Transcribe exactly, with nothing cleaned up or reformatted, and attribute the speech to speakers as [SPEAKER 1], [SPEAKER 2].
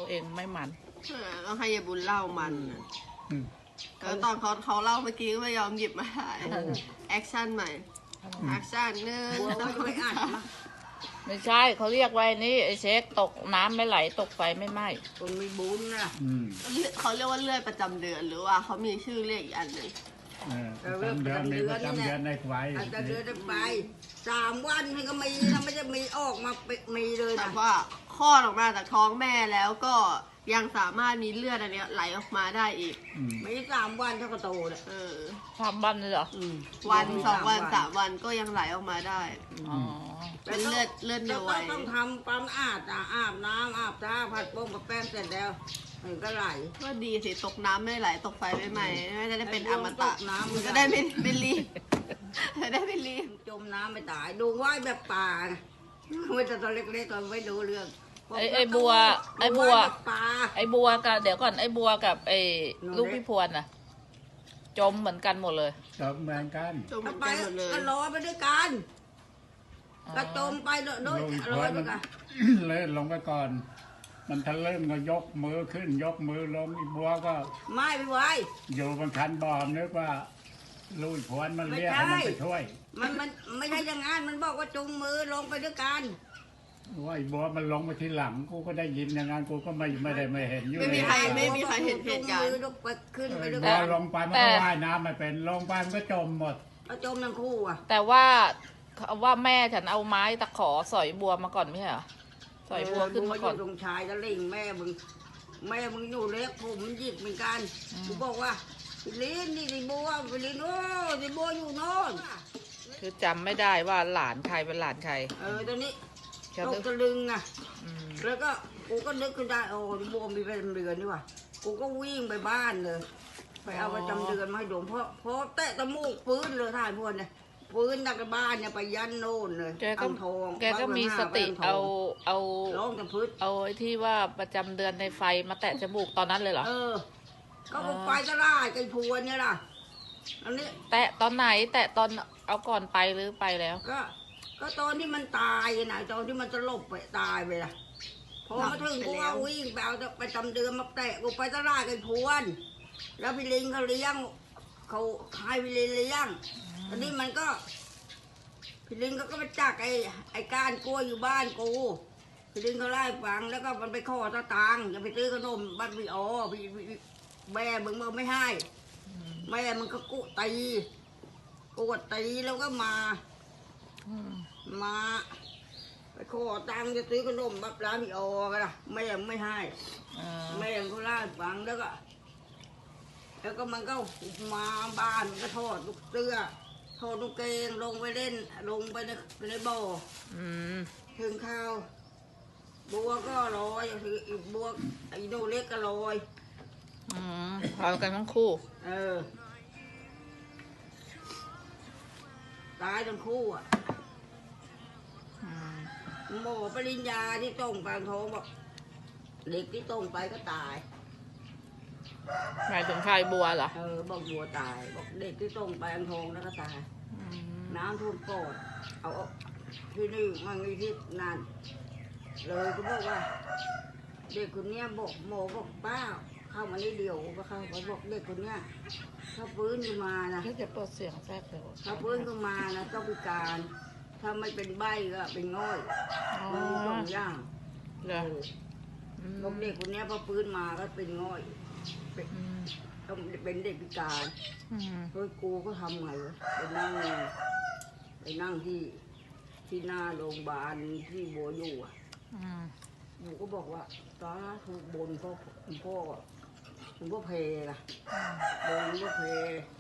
[SPEAKER 1] เองไม่มัน
[SPEAKER 2] ต้องให้ยายบุญเล่ามันแล้วตอนเขาเขาเล่าเมื่อกี้ก็ไม่ยอมหยิบมาถ่ายแอคชั่นใหม่แอคชั่นเนื้อต้องไม่อ่าน
[SPEAKER 1] ไม่ใช่เขาเรียกไว้นี่ไอ้เช็คตกน้ำไม่ไหลตกไฟไม่ไหม้
[SPEAKER 2] คนมีบุญนะเขาเรียกว่าเลือดประจำเดือนหรือว่าเขามีชื่อเรียกอีกอันหนึ่ง
[SPEAKER 3] ประจำเดือนมีประจำเดือนในไฟ
[SPEAKER 4] ประจำเดือนในไฟสามวันมันก็มีถ้าไม่จะมีออกมามีเลย
[SPEAKER 2] แต่ว่าคลอดออกมาจากท้องแม่แล้วก็ยังสามารถมีเลือดอันนี้ไหลออกมาได้อีก
[SPEAKER 4] ไม่สามวันเท่ากับโตเลย
[SPEAKER 2] เออ
[SPEAKER 1] สามวันเลยเหรอ
[SPEAKER 2] วันสองวันสามวันก็ยังไหลออกมาได้อ๋อเป็นเลือดเลือดเดียวไว้
[SPEAKER 4] ต้องทำความสะอาดอาบน้ำอาบน้ำผัดโป่งกับแป้งเสร็จแล้วมันก็ไหล
[SPEAKER 2] ก็ดีสิตกน้ำไม่ไหลตกไฟไม่ไหม้ไม่ได้เป็นอมตะมันก็ได้ไม่ไม่รีบจะได้ไม่รีบ
[SPEAKER 4] จมน้ำไม่ตายดูว่ายแบบป่าไม่แต่ตัวเล็กๆก็ไม่รู้เรื่อง
[SPEAKER 1] ไอ้ไอ้บัวไอ้บัวไอ้บัวกับเดี๋ยวก่อนไอ้บัวกับไอ้ลูกพี่พวนน่ะจมเหมือนกันหมดเลย
[SPEAKER 3] จมเหมือนกัน
[SPEAKER 2] จมเหมือนกันหมดเลย
[SPEAKER 4] ก็ลอยไปด้วยกันก็จมไปโดยลอยไปกัน
[SPEAKER 3] เลยลงไปก่อนมันทะลึ่งก็ยกมือขึ้นยกมือลงอีบัวก็
[SPEAKER 4] ไม่ไปไว้
[SPEAKER 3] อยู่บนคันบอมนึกว่าลุยพวนมันเรียกให้มันไปช่วย
[SPEAKER 4] มันมันไม่ใช่อย่างนั้นมันบอกว่าจุงมือลงไปด้วยกัน
[SPEAKER 3] ว่าไอ้บัวมันลงมาทีหลังกูก็ได้ยินอย่างนั้นกูก็ไม่ไม่ได้ไม่เห็นอยู่
[SPEAKER 2] ไม่มีใครไม่มีใครเห็นเหตุการณ์
[SPEAKER 4] ขึ้นไปด้วย
[SPEAKER 3] กันลงไปมันก็ว่ายน้ำไม่เป็นลงไปมันก็จมหมด
[SPEAKER 4] ก็จมทั้งคู่อ่ะ
[SPEAKER 1] แต่ว่าว่าแม่ฉันเอาไม้ตะขอสอยบัวมาก่อนไม่ใช่เหรอสอยบัวขึ้นมาก่อน
[SPEAKER 4] ตรงชายตะลิงแม่มึงแม่มึงอยู่เล็กผมมันหยิบเหมือนกันกูบอกว่าลินนี่ดิบัวลินโอ้ดิบัวอยู่โน่น
[SPEAKER 1] คือจำไม่ได้ว่าหลานใครเป็นหลานใคร
[SPEAKER 4] เออตอนนี้ตกตะลึงอ่ะแล้วก็กูก็นึกขึ้นได้โอ้ดิบัวมีประจำเดือนนี่ว่ะกูก็วิ่งไปบ้านเลยไปเอาประจำเดือนมาให้ดมเพราะเพราะแตะตะมูกปื้นเลยท่านพวกเนี่ยปืนนักบ้านเนี่ยไปยันโน่นเลย
[SPEAKER 1] แกก็แกก็มีสติเอาเอา
[SPEAKER 4] ร้องกับพื้น
[SPEAKER 1] เอาไอ้ที่ว่าประจำเดือนในไฟมาแตะจมูกตอนนั้นเลยเหรอ
[SPEAKER 4] เออก็ไฟจะล่าไอ้พวนเนี่ยล่ะอันนี้
[SPEAKER 1] แตะตอนไหนแตะตอนเอาก่อนไปหรือไปแล้ว
[SPEAKER 4] ก็ก็ตอนที่มันตายนะตอนที่มันจะลบไปตายไปล่ะพอมาถึงกูว่าวิ่งไปเอาไปจำเดือนมาแตะกูไปจะล่าไอ้พวนแล้วพี่ลิงเขาเลี้ยงเขาให้พี่ลิงเลี้ยงอันนี้มันก็พี่ลิงก็ก็มาจักไอ้ไอ้ก้านกล้วยอยู่บ้านกูพี่ลิงเขาไล่ฟังแล้วก็มันไปขอตะตังจะไปซื้อขนมบ้านพี่อ๋อพี่แม่มึงมึงไม่ให้แม่มึงก็กู้ตีกูตีแล้วก็มามาไปขอตังจะซื้อขนมบ้านร้านพี่อ๋อกันนะแม่มึงไม่ให้แม่มึงเขาไล่ฟังแล้วก็แล้วก็มันก็มาบ้านมันก็ทอดลูกเสื้อทอดลูกเกงลงไปเล่นลงไปในในบ่อถึงข้าวบัวก็ลอยคืออีกบัวไอ้โนเล็กก็ลอย
[SPEAKER 1] อืมพากันทั้งคู่
[SPEAKER 4] เออตายทั้งคู่อ่ะหมอปริญญาที่ต้องปางทองบอกเด็กที่ต้องไปก็ตาย
[SPEAKER 1] หมายถึงใครบัวเหรอ
[SPEAKER 4] เออบอกบัวตายบอกเด็กที่ส่งไปอังทองแล้วก็ตายน้ำท่วมปอดเอาที่นี่มันมีที่นั่นเลยก็บอกว่าเด็กคนนี้บอกหมอบอกป้าเข้ามาได้เดียวก็เข้าไปบอกเด็กคนนี้ถ้าฟื้นขึ้นมานะ
[SPEAKER 1] จะเปิดเสียงแทรกเลย
[SPEAKER 4] ถ้าฟื้นขึ้นมานะต้องพิการถ้าไม่เป็นใบก็เป็นง่อยมันมีสองอย่างเลยบอกเด็กคนนี้พอฟื้นมาก็เป็นง่อยต้องเป็นเด็กพิการเฮ้ยกูก็ทำไงวะไปนั่งไปนั่งที่ที่หน้าโรงพยาบาลที่บัวอยู่อ่ะหนูก็บอกว่าตาถูกบนพ่อคุณพ่อคุณพ่อเพล่ะบนพ่อเพ